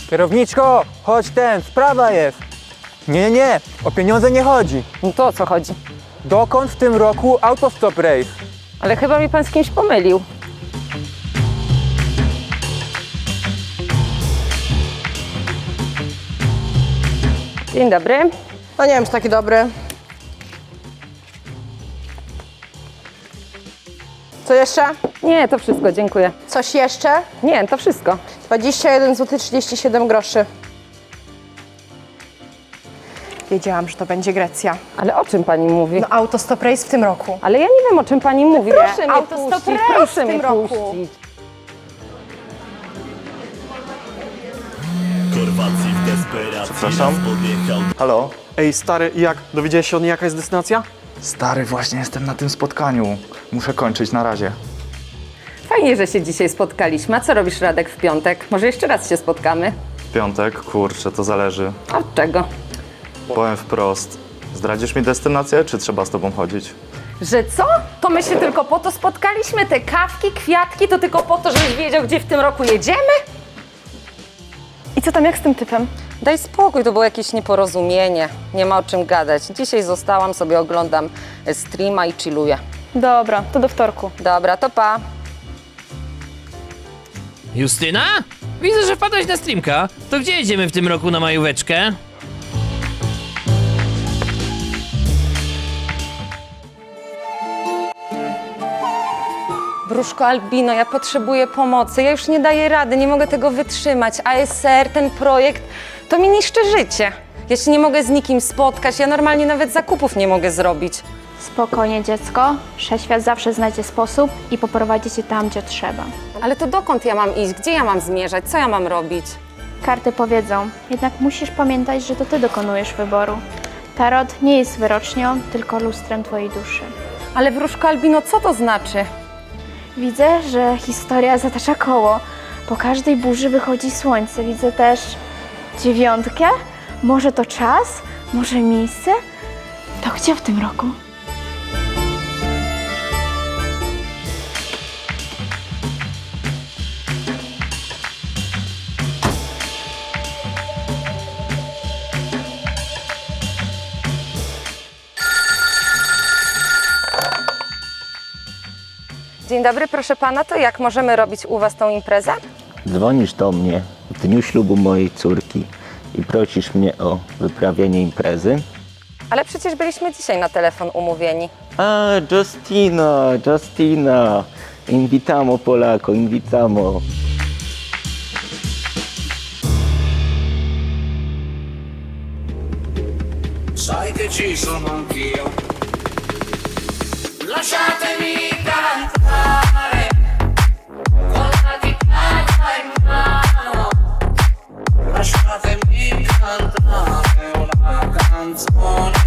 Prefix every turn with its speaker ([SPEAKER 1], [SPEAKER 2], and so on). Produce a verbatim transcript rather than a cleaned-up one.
[SPEAKER 1] Kierowniczko, chodź ten, sprawa jest. Nie, nie, o pieniądze nie chodzi.
[SPEAKER 2] No to o co chodzi?
[SPEAKER 1] Dokąd w tym roku autostop race?
[SPEAKER 2] Ale chyba mi pan z kimś pomylił. Dzień dobry.
[SPEAKER 3] No nie wiem, czy taki dobry. Co jeszcze?
[SPEAKER 2] Nie, to wszystko, dziękuję.
[SPEAKER 3] Coś jeszcze?
[SPEAKER 2] Nie, to wszystko.
[SPEAKER 3] dwadzieścia jeden złotych trzydzieści siedem groszy. Wiedziałam, że to będzie Grecja.
[SPEAKER 2] Ale o czym pani mówi?
[SPEAKER 3] No autostop race w tym roku.
[SPEAKER 2] Ale ja nie wiem, o czym pani mówi. Proszę mnie
[SPEAKER 3] autostop
[SPEAKER 2] puścić,
[SPEAKER 3] race
[SPEAKER 2] proszę
[SPEAKER 3] w tym
[SPEAKER 2] mnie
[SPEAKER 3] roku.
[SPEAKER 2] puścić.
[SPEAKER 4] Chorwacji w desperacji
[SPEAKER 5] Przepraszam?
[SPEAKER 4] raz podjechał.
[SPEAKER 5] Halo?
[SPEAKER 6] Ej, stary, jak? Dowiedziałeś się od niej, jaka jest destynacja?
[SPEAKER 5] Stary, właśnie jestem na tym spotkaniu. Muszę kończyć, na razie.
[SPEAKER 2] Fajnie, że się dzisiaj spotkaliśmy. A co robisz, Radek, w piątek? Może jeszcze raz się spotkamy?
[SPEAKER 5] W piątek? Kurczę, to zależy.
[SPEAKER 2] A od czego?
[SPEAKER 5] Powiem wprost. Zdradzisz mi destynację, czy trzeba z tobą chodzić?
[SPEAKER 2] Że co? To my się tylko po to spotkaliśmy? Te kawki, kwiatki, to tylko po to, żebyś wiedział, gdzie w tym roku jedziemy?
[SPEAKER 3] I co tam, jak z tym typem?
[SPEAKER 2] Daj spokój, to było jakieś nieporozumienie. Nie ma o czym gadać. Dzisiaj zostałam, sobie oglądam streama i chilluję.
[SPEAKER 3] Dobra, to do wtorku.
[SPEAKER 2] Dobra, to pa.
[SPEAKER 7] Justyna? Widzę, że wpadłeś na streamka. To gdzie jedziemy w tym roku na majóweczkę?
[SPEAKER 2] Wróżko Albino, ja potrzebuję pomocy. Ja już nie daję rady, nie mogę tego wytrzymać. A S R, ten projekt, to mi niszczy życie. Ja się nie mogę z nikim spotkać, ja normalnie nawet zakupów nie mogę zrobić.
[SPEAKER 8] Spokojnie, dziecko. Wszechświat zawsze znajdzie sposób i poprowadzi cię tam, gdzie trzeba.
[SPEAKER 2] Ale to dokąd ja mam iść? Gdzie ja mam zmierzać? Co ja mam robić?
[SPEAKER 8] Karty powiedzą, jednak musisz pamiętać, że to ty dokonujesz wyboru. Tarot nie jest wyrocznią, tylko lustrem twojej duszy.
[SPEAKER 2] Ale wróżko Albino, co to znaczy?
[SPEAKER 8] Widzę, że historia zatacza koło. Po każdej burzy wychodzi słońce. Widzę też dziewiątkę. Może to czas? Może miejsce? To gdzie w tym roku?
[SPEAKER 2] Dzień dobry, proszę pana, to jak możemy robić u was tą imprezę?
[SPEAKER 9] Dzwonisz do mnie w dniu ślubu mojej córki i prosisz mnie o wyprawienie imprezy?
[SPEAKER 2] Ale przecież byliśmy dzisiaj na telefon umówieni.
[SPEAKER 9] A, Justina, Justina, invitamo Polako, invitamo.
[SPEAKER 4] Sai che ci sono anch'io. Lasciatemi cantare con la chitarra in mano. Lasciatemi cantare una canzone